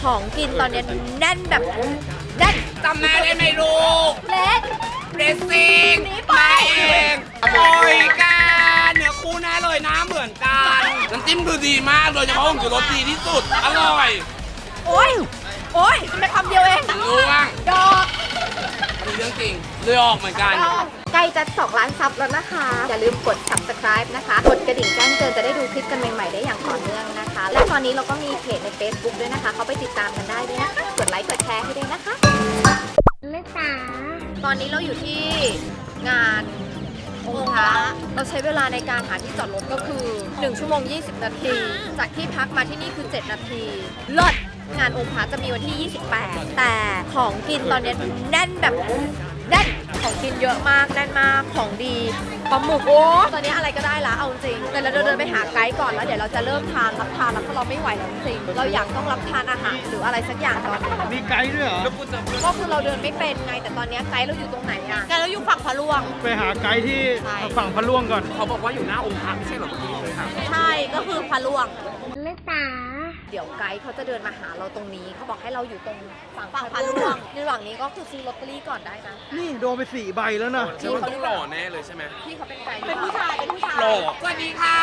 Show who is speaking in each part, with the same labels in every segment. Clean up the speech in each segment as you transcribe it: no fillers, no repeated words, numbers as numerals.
Speaker 1: ของกินตอนนี้แน่นแบบแน่น
Speaker 2: จำแม่ได้ไหมลูก
Speaker 1: เล็ก
Speaker 2: เรซซิ่ง
Speaker 1: นี่ไป
Speaker 2: มาเองโอ้ยกันเนื้อคู่แน่เลยนะเหมือนกันน้ำจิ้มคือดีมากโดยเฉพาะผงชูรสดีที่สุดอร่อย
Speaker 1: โอ้ยโอ้ยไม่คำเดียวเอง
Speaker 2: รู้บ้าง
Speaker 1: ดอก
Speaker 2: มีเรื่องจริงเลยออกเหมือนกัน
Speaker 1: ใกล้จะ2 ล้านซับแล้วนะคะ อย่าลืมกด subscribe นะคะ กดกระดิ่งแจ้งเตือนจะได้ดูคลิปกันใหม่ๆได้อย่างต่อเนื่องนะคะ และตอนนี้เราก็มีเพจใน Facebook ด้วยนะคะ เขาไปติดตามกันได้ด้วยนะคะ กดไลค์กดแชร์ให้ด้วยนะคะเล็กจ๋าตอนนี้เราอยู่ที่งานองค์พระเราใช้เวลาในการหาที่จอดรถก็คือ1 ชั่วโมง 20 นาที จากที่พักมาที่นี่คือ 7 นาทีเลิศงานองค์พระจะมีวันที่ 28 แต่ของกินตอนนี้แน่นแบบแน่นของกินเยอะมากแน่นมากของดีปลาหมึกโอ้ตอนนี้อะไรก็ได้ละเอาจริงแต่เราเดินไปหาไกด์ก่อนแล้วเดี๋ยวเราจะเริ่มรับทานแล้วเพราะเราไม่ไหวแล้วจริงเราอยากต้องรับทานอาหารหรืออะไรสักอย่างตอนนี้
Speaker 3: มีไกด์ด้วยเหรอ
Speaker 1: ก็คือเราเดินไม่เป็นไงแต่ตอนนี้ไกด์เราอยู่ตรงไหนอะไกด์เราอยู่ฝั่งพะลวง
Speaker 3: ไปหาไกด์ที่
Speaker 1: ใช่
Speaker 3: ฝั่งพะล่วงก่อน
Speaker 2: เขาบอกว่าอยู่หน้าองค์พระไม่ใช่เหรอเมื่อกี้เลยค่ะ
Speaker 1: ใช่ก็คือพะลวงเล็กตาเดี๋ยวไกด์เขาจะเดินมาหาเราตรงนี้เขาบอกให้เราอยู่ตรงฝั่งพะลวงในระหว่างนี้ก็คือซื้อลอตเตอรี่ก่อนได้นะ
Speaker 3: นี่โดนไป4 ใบแล้วนะ
Speaker 2: เชื่อว่าต้องหล่อแน่เลยใช่ไหม
Speaker 1: พี่เขาเป็นไกด์เป็นผู้ชายเป็นผู้ชาย
Speaker 2: หล่อสวัสดีค่ะ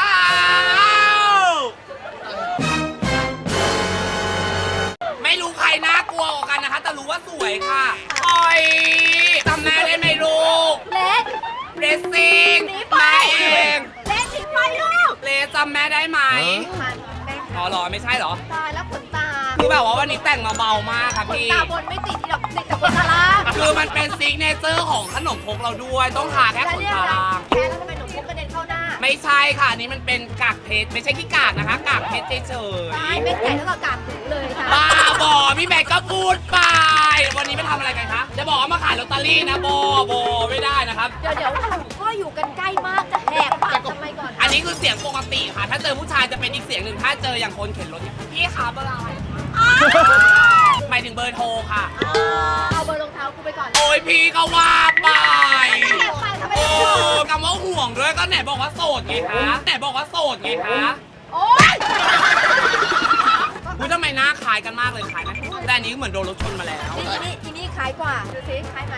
Speaker 2: ไม่รู้ใครน่ากลัวกว่ากันนะคะ แต่รู้ว่าสวยค่ะโอ้ยจำแม่ได้ไหมลูก
Speaker 1: เล็ก
Speaker 2: เรซซิ่ง
Speaker 1: หนีไป
Speaker 2: มาเอง
Speaker 1: เล็กหนีไปลูก
Speaker 2: เลจำแม่ได้ไหม
Speaker 1: มันแม่
Speaker 2: อ๋อเหรอไม่ใช่เหรอ
Speaker 1: ตายแล้วขนตา
Speaker 2: คือแบบว่าวันนี้แต่งมาเบามากค่ะ
Speaker 1: ขน
Speaker 2: พี่
Speaker 1: ตาบนไม่ติดที่ดอกติดแต่ขนตาล่าง
Speaker 2: คือมันเป็นซิกเนเจอร์ของขนมครกเราด้วย ต้องทาแค่
Speaker 1: แล้ว
Speaker 2: ขน
Speaker 1: เรียก
Speaker 2: ตา
Speaker 1: อะไร
Speaker 2: ล่าง
Speaker 1: แค่แล้วทำไมหนูพุกกระเด็นเข้าหน้า
Speaker 2: ไม่ใช่ค่ะอันนี้มันเป็นกากเพชรไม่ใช่ขี้กากนะคะ กากเพชรเฉย
Speaker 1: ตายเป็นไก่แล้วก็กางหูเลยค่ะ
Speaker 2: ๆบ้าบอพี่แบกก็พูดไป วันนี้มาทำอะไรกันคะจะบอกว่ามาขายลอตเตอรี่นะโบไม่ได้นะครับ
Speaker 1: เดี๋ยวก็อยู่กันใกล้มากจะแหกปากทำไมก่อน
Speaker 2: อันนี้คือเสียงปกติค่ะ ถ้าเจอผู้ชายจะเป็นอีกเสียงหนึ่งถ้าเจออย่างคนเข็นรถเนี่ยพี่ขาเบอร์อะไรหมายถึงเบอร์โทรค่ะ
Speaker 1: เอาเบอร์รองเท้ากูไปก่อน
Speaker 2: โอ้ยพี่ก็ว่าไป
Speaker 1: แหกปากทำไม
Speaker 2: โอ้
Speaker 1: ไม่บอก
Speaker 2: คำว่าห่วงด้วยก็ไหนบอกว่าโสดไงคะไหนบอกว่าโสดไงคะ
Speaker 1: โอ๊ย
Speaker 2: คุณทำไมหน้าคล้ายกันมากเลยคล้ายไหมแต่อันนี้เหมือนโดนรถชนมาแล้ว
Speaker 1: อีนี่คล้ายกว่า ดูสิคล้ายไหม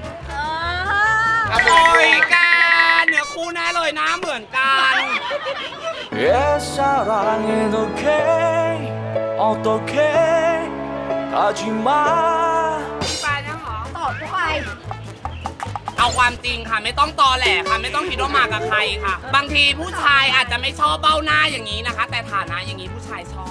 Speaker 2: โอ้ยกันเนื้อคู่แน่เลยนะเหมือนกัน
Speaker 4: 옛사랑은 okay 어떻게 가지마
Speaker 2: มีแฟนยังเหรอ
Speaker 1: ตอบกูไป
Speaker 2: เอาความจริงค่ะไม่ต้องตอแหลค่ะไม่ต้องคิดว่ามากับใครค่ะ บางทีผู้ชายอาจจะไม่ชอบเบ้าหน้าอย่างนี้นะคะ แต่ฐานะอย่างนี้ผู้ชายชอบ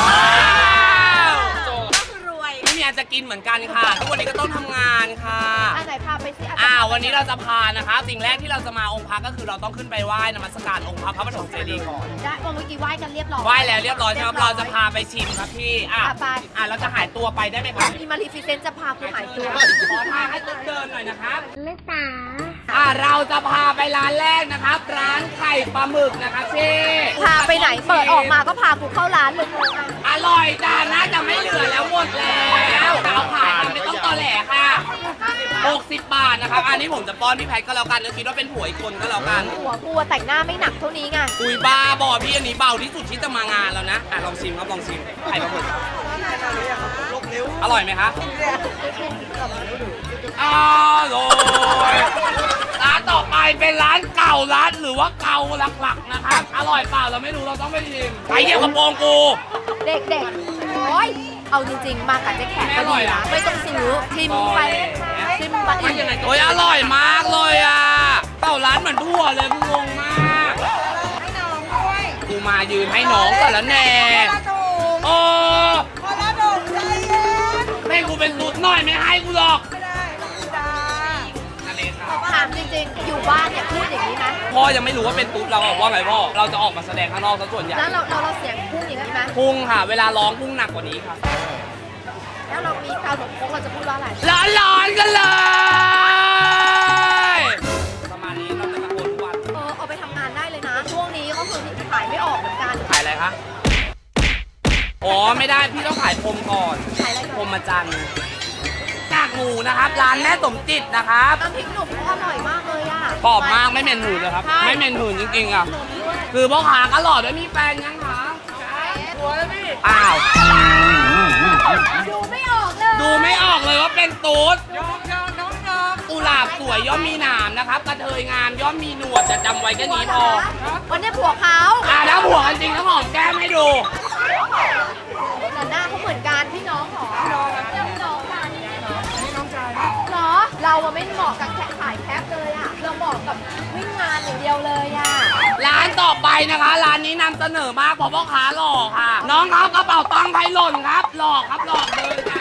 Speaker 1: ก็คือรวย
Speaker 2: ไม่มีอาจจะกินเหมือนกันค่ะ ทุกวันนี้ก็ต้องทำงานค่ะ
Speaker 1: อันไหนพาไปสิ
Speaker 2: วันนี้เราจะพานะคะ สิ่งแรกที่เราจะมาองค์พระก็คือเราต้องขึ้นไปไหว้นมัสการองค์พระปฐมเจดีย์ก่อน
Speaker 1: ได้เมื่อกี้ไหว้กันเรียบร้อย
Speaker 2: ไหว้แล้วเรียบร้อยใช่ไหมเราจะพาไปชิมครับพี่
Speaker 1: ไป
Speaker 2: เราจะหายตัวไปได้ไหมครับ
Speaker 1: มีมารีฟิเซนจะพากูหายตัว
Speaker 2: ขอทางให้ตุ๊กเดินหน่อยนะครับ
Speaker 1: เล็กตา
Speaker 2: เราจะพาไปร้านแรกนะครับ ร้านไข่ปลาหมึกนะครับพี่
Speaker 1: พาไปไหนเปิดออกมาก็พากูเข้าร้านเลย
Speaker 2: อร่อยจ้าน่าจะไม่เหลือแล้วหมดแล้วเอาขายไม่ต้องตอแหลค่ะ60 บาทนะครับ อันนี้ผมจะป้อนพี่แพทก็แล้วกันนึกคิดว่าเป็นผัวอีกคนก็แล้วกัน
Speaker 1: หัวกูแต่งหน้าไม่หนักเท่านี้ไง
Speaker 2: อุยบ้าบอพี่อันนี้เบาที่สุดที่จะมางานแล้วนะลองชิมครับลองชิมไข่ปลาหมึกอร่อยไหมคะอร่อยร้านต่อไปเป็นร้านเก่าร้านหรือว่าเก่าหลักๆนะครับอร่อยเปล่าเราไม่รู้เราต้องไปชิมไปเยี่ยมกระโปรงกู
Speaker 1: เด็กๆ โอ้ย เอาจริงๆ มากับเจ๊แขกก็ดีนะ ไม่ต้องซื้อชิมไปชิมไป
Speaker 2: โอ้ยอร่อยมากเลยอ่ะเก่าร้านเหมือนทั่วเลยกูงงมากให้น้องด้วยกูมายืนให้น้องก่อนแล้วแน่โอ้ให้กูเป็นตุ๊ดหน่อยไม่ให้กูหรอกนั่นเองครับ
Speaker 1: ถามจริงๆ อยู่บ้านเนี่ยพูดอย่างนี้ไหม
Speaker 2: พ่อยังไม่รู้ว่าเป็นตุ๊ดเราอะว่าไงพ่อเราจะออกมาแสดงข้างนอกซะส่วนใหญ่
Speaker 1: แล้วเราเสียงพุ่งอย่างนี้ไหม
Speaker 2: พุ่งค่ะ เวลาร้องพุ่งหนักกว่านี้ค่ะ
Speaker 1: แล้วเรามีกาวหนมพกเราจะพูดว่าอะไร
Speaker 2: ร้อนๆกันเลยประมาณนี้เราจะตะโกนทุกวัน
Speaker 1: เอาไปทำงานได้เลยนะ ช่วงนี้ก็คือขายไม่ออกเหมือนกัน
Speaker 2: ขายอะไรคะอ๋อไม่ได้พี่ต้องขายพรมก่อน
Speaker 1: ขายอะไร
Speaker 2: พรหมจันทรย์กากหมูนะครับ ร้านแม่สมจิตนะครับ
Speaker 1: น้ำพริกหนุ่มเขาอร่อยมากเลยอ่ะ
Speaker 2: กรอบมากไม่เหม็นหืนเลยครับ ไม่เหม็นหืนจริงๆอ่ะ คือพ่อค้าก็หล่อด้วยมีแฟนยังคะหัวแล้วพี่อ้าวตูดกุหลาบสวยย่อมมีหนามนะครับกระเทยงามย่อมมีหนวดจะจำไว้แค่นี้พอ
Speaker 1: วันนี้ผัวเขา
Speaker 2: ถ้าผัวกันจริงต้องหอมแก้มให้ดู
Speaker 1: แต่หน้าเขาเหมือนกันพี่น้องหรอพี่น้องค่ะนี่น้องชายเหรอเราอะไม่เหมาะกับแค่ขายแคปเลยอะเราเหมาะกับวิ่งงานอย่างเดียวเลยอะ
Speaker 2: ร้านต่อไปนะคะ ร้านนี้นำเสนอมากเพราะพ่อค้าหล่อค่ะ น้องเขากระเป๋าตังค์ใครหล่นครับหลอกครับหลอกเลยค่ะ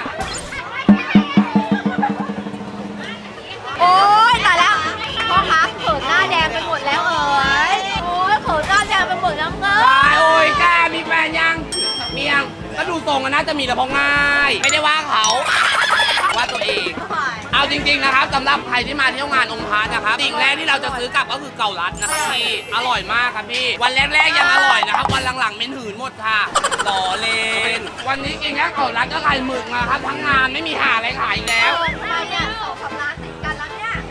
Speaker 1: โอ๊ยตายแล้วพ่อค้าเขินหน้าแดงไปหมดแล้วเอ๋ยโอ๊ยเขินหน้าแดงไปหมดแล้วเง
Speaker 2: ตายโอ้ยแกมีแฟนยังมียังก็ดูทรงกันน่าจะมีแต่พอง่าย ไม่ได้ว่าเขาว่าตัวเอง เอาจริงๆนะครับสำหรับใครที่มาเที่ยวงานองค์พระนะครับสิ่งแรกที่เราจะซื้อกลับก็คือเกาลัดนะครับพี่อร่อยมากครับพี่วันแรกๆยังอร่อยนะครับวันหลังๆเม้นหืนหมดค่ะหล่อเลนวันนี้กินแค่เกาลัดก็ไข่หมึกนะครับทั้งงานไม่มีหาอะไรขายอีกแล้ว
Speaker 1: ทำไมเนี่ย2-3ร้านติดกันแล้วเนี่ย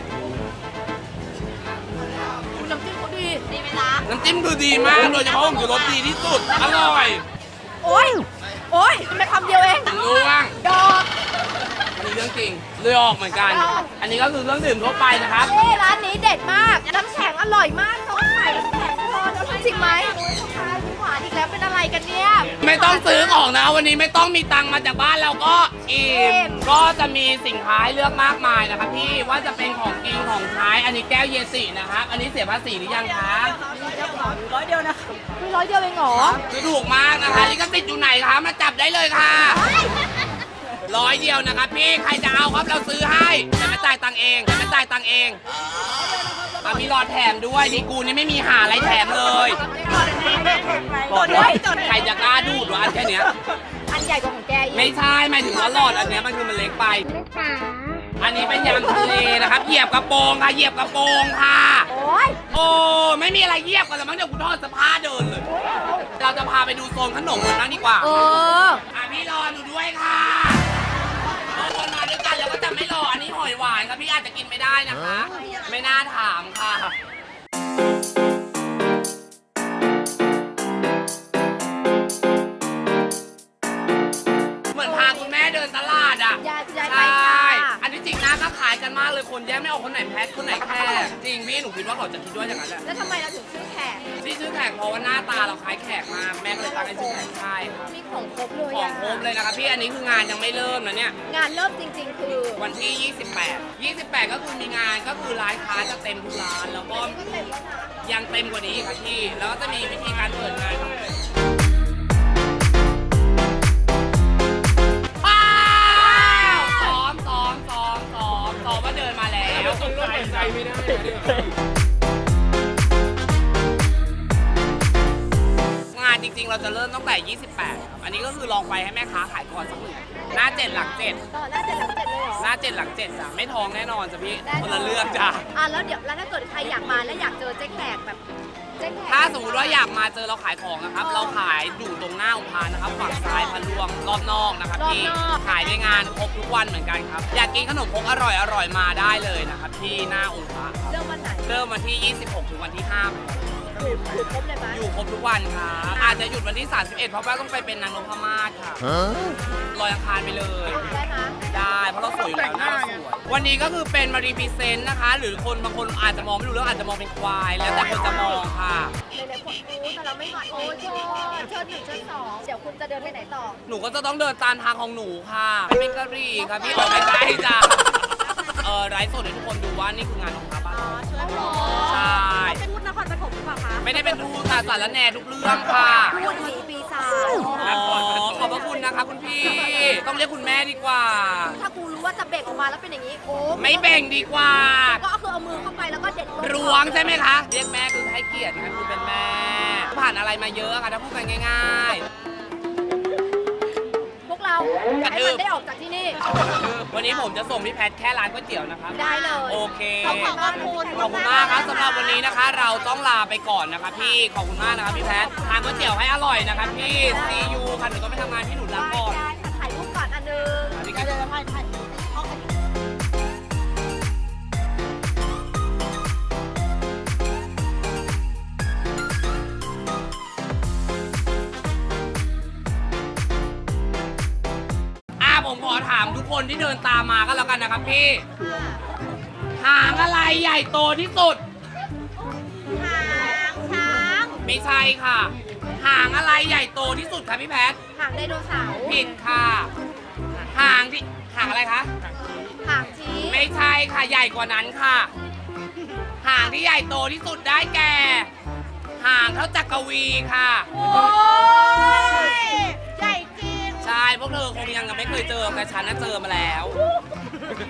Speaker 1: น้ำจิ้มเขาดีไหมล่ะ
Speaker 2: น้ำจิ้มคือดีมากโดยเฉพาะผงชูรสดีที่สุดอร่อย
Speaker 1: โอ๊ยโอ๊ยทำไมคำเดียวเอง
Speaker 2: รู้ว่าง
Speaker 1: ดอก
Speaker 2: อันนี้เรื่องจริงเลยออกเหมือนกัน อันนี้ก็คือเครื่องดื่มทั่วไปนะครับ
Speaker 1: เอ้ร้านนี้เด็ดมากน้ำแข็งอร่อยมากต้องใส่น้ำแข็งพอแล้วจริงไหมโอ๊ยพ่อค้ายิ้มหวานอีกแล้วเป็นอะไรกันเนี่ย
Speaker 2: ไม่ต้องซื้อของนะวันนี้ไม่ต้องมีตังค์มาจากบ้านเราก็อิ่มก็จะมีสินค้าให้เลือกมากมายนะครับพี่ว่าจะเป็นของกินของใช้อันนี้แก้วเยสินะครับอันนี้เสียภาษีหรือยังคะ
Speaker 1: ร้อยเดียวเองเหรอ
Speaker 2: คือถูกมากนะคะลิขสิทธิ์อยู่ไหนคะมาจับได้เลยค่ะ100 เดียวนะครับพี่ใครจะเอาครับเราซื้อให้แต่ไม่จ่ายตังค์เองแต่ไม่จ่ายตังค์เองมีหลอดแถมด้วยดีกูนี่ไม่มีหาอะไรแถมเลยใครจะกล้าดูดวะอันแค่เนี้ย
Speaker 1: อันใหญ่กว่าของแกอีก
Speaker 2: ไม่ใช่หมายถึงว่าหลอดอันเนี้ยมันคือมันเล็กไป อันนี้เป็นยำทะเลนะครับเหยียบกระโปรงค่ะเหยียบกระโปรงค่ะ
Speaker 1: โอ๊ย
Speaker 2: โอ้ไม่มีอะไรเหยียบกันแล้วมั้งเดี๋ยวกูทอดเสภาเดินเลย เราจะพาไปดูโซนขนมกันบ้างดีกว่า พี่รอหนูด้วยค่ะบางคนมาด้วยกันแล้วก็จะไม่รออันนี้หอยหวานครับพี่อาจจะกินไม่ได้นะคะ ไม่น่าถามค่ะ เหมือนพาคุณแม่เดินตลาดอ่ะ
Speaker 1: ยายไป
Speaker 2: ใช่
Speaker 1: ค่ะ
Speaker 2: อันนี้จริงนะก็ขายกันมากเลยคนแยกไม่ออกคนไหนแพทคนไหนแค่จริงพี่หนูคิดว่าเขาจะคิดว่าอย่างนั้นแหละ
Speaker 1: แล้วทำไมเราถึงชื่อแขก
Speaker 2: ที่ชื่อแขกเพราะว่าหน้าตาเราคล้ายแขกมากแม่ก็เลยตั้งให้ชื่อแขกใช่ครับ
Speaker 1: มีของครบเลย
Speaker 2: ของครบเลยนะครับพี่อันนี้คืองานยังไม่เริ่มนะเนี่ย
Speaker 1: งานเริ่มจริงๆ คือ
Speaker 2: วันที่ 28 ก็คือมีงานก็คือร้านค้าจะเต็มทุกร้านแล้วก็
Speaker 1: ก็เต็มแล้วนะ
Speaker 2: ยังเต็มกว่านี้อีกครับพี่แล้วก็จะมีวิธีการเปิดงานว้าวซ้อมว่าเดินมาแล้วใจไม่ได้งานจริงๆเราจะเริ่มตั้งแต่ 28 ครับอันนี้ก็คือลองไปให้แม่ค้าขายก่อนสักหนึ่งหน้า 7 หลัง 7
Speaker 1: ต่อหน้าเจ็ดหลังเจ็ดเลยเหรอ
Speaker 2: หน้า 7 หลัง 7จ้ะไม่ท้องแน่นอนจ้ะพี่คนละเรื่องจ้ะ
Speaker 1: แล้วเดี๋ยวแล้วถ้าเกิดใครอยากมาแล้วอยากเจอเจ๊แขกแบบเจ๊แขก
Speaker 2: ถ้าสมมติว่าอยากมาเจอเราขายของนะครับ เราขายอยู่ตรงหน้าองค์พระนะครับฝั่งซ้ายพะลวงรอบนอกนะครับพี่ขายในงานครบทุกวันเหมือนกันครับ อยากกินขนมครกอร่อยมาได้เลยนะครับที่หน้าองค์พระ
Speaker 1: เริ่มวันไหน
Speaker 2: เริ่มวันที่ 26 ถึงวันที่ 5
Speaker 1: อยู่ครบเลยไหม
Speaker 2: อยู่ครบทุกวันครับอาจจะหยุดวันที่ 31 เพราะว่าต้องไปเป็นนางนพมาศค่ะลอยอังคารไปเลย
Speaker 1: ได้ไหม
Speaker 2: ได้เพราะเราสวยอยู่แล้วหน้าเราสวยวันนี้ก็คือเป็นมารีพรีเซนต์นะคะ หรือคนบางคนอาจจะมองไม่รู้เรื่องอาจจะมองเป็นควาย แล้วแต่คนจะมองค่ะ
Speaker 1: หลายๆคนรู้แต่เราไม่หน่อยโอ้ยเชิญ1เชิญ2เดี๋ยวคุณจะเดินไปไหนต่อ
Speaker 2: หนูก็จะต้องเดินตามทางของหนูค่ะไม่เป็นกะหรี่ค่ะพี่ออกไม่ได้จ้ะไลฟ์สดให้ทุกคนดูว่านี่คืองานของพระบ้านเราใช่
Speaker 1: เป็นพูดนครปฐมหรือเปล่าคะ
Speaker 2: ไม่ได้เป็นทูตค่ะสารแหน่ทุกเรื่องค่ะ
Speaker 1: พูดผีปีศาจ
Speaker 2: ขอบพระคุณนะคะคุณพี่ ต้องเรียกคุณแม่ดีกว่า
Speaker 1: ถ้ากูรู้ว่าจะเบ่งออกมาแล้วเป็นอย่างนี้โอ้
Speaker 2: ไม่แบ่งดีกว่า
Speaker 1: ก็คือเอามือเข้าไปแล้วก็เด็ด
Speaker 2: รวงใช่ไหมคะ เรียกแม่คือให้เกียรตินะคือเป็นแม่ ผ่านอะไรมาเยอะค่ะถ้าพูดกันง่าย
Speaker 1: พวกเราอยากให้มันได้ออกจากที่นี่
Speaker 2: ๆ วันนี้ผมจะส่งพี่แพทแค่ร้านก๋วยเตี๋ยวนะครับ
Speaker 1: ได้เลย
Speaker 2: โอเค
Speaker 1: ขอบคุณมากคุณ
Speaker 2: ขอบคุณมากครับสำหรับวันนี้นะคะ เราต้องลาไปก่อนนะคะพี่ ขอบคุณมากนะครับพี่แพททานก๋วยเตี๋ยวให้อร่อยนะครับพี่ ซียูค่ะหนูต้องไปทำงานที่หนูรักก่อน
Speaker 1: ได้ถ่ายรูปก่อนอันนึง
Speaker 2: อันนี้
Speaker 1: เดี๋ยวถ่าย
Speaker 2: ผมขอถามทุกคนที่เดินตามมาก็แล้วกันนะครับพี่ หางอะไรใหญ่โตที่สุด
Speaker 1: หางช้าง
Speaker 2: ไม่ใช่ค่ะ หางอะไรใหญ่โตที่สุดคะพี่แพท
Speaker 1: หางไดโนเสาร์
Speaker 2: ผิดค่ะ หางอะไรคะ
Speaker 1: หางชี้
Speaker 2: ไม่ใช่ค่ะใหญ่กว่านั้นค่ะ หางที่ใหญ่โตที่สุดได้แก่ หางเท่าจักรวีค่ะ
Speaker 1: โอ้ยใหญ่จริง
Speaker 2: ใช่พวกเธอคงยังไม่เคยเจอแต่ฉันน่ะเจอมาแล้ว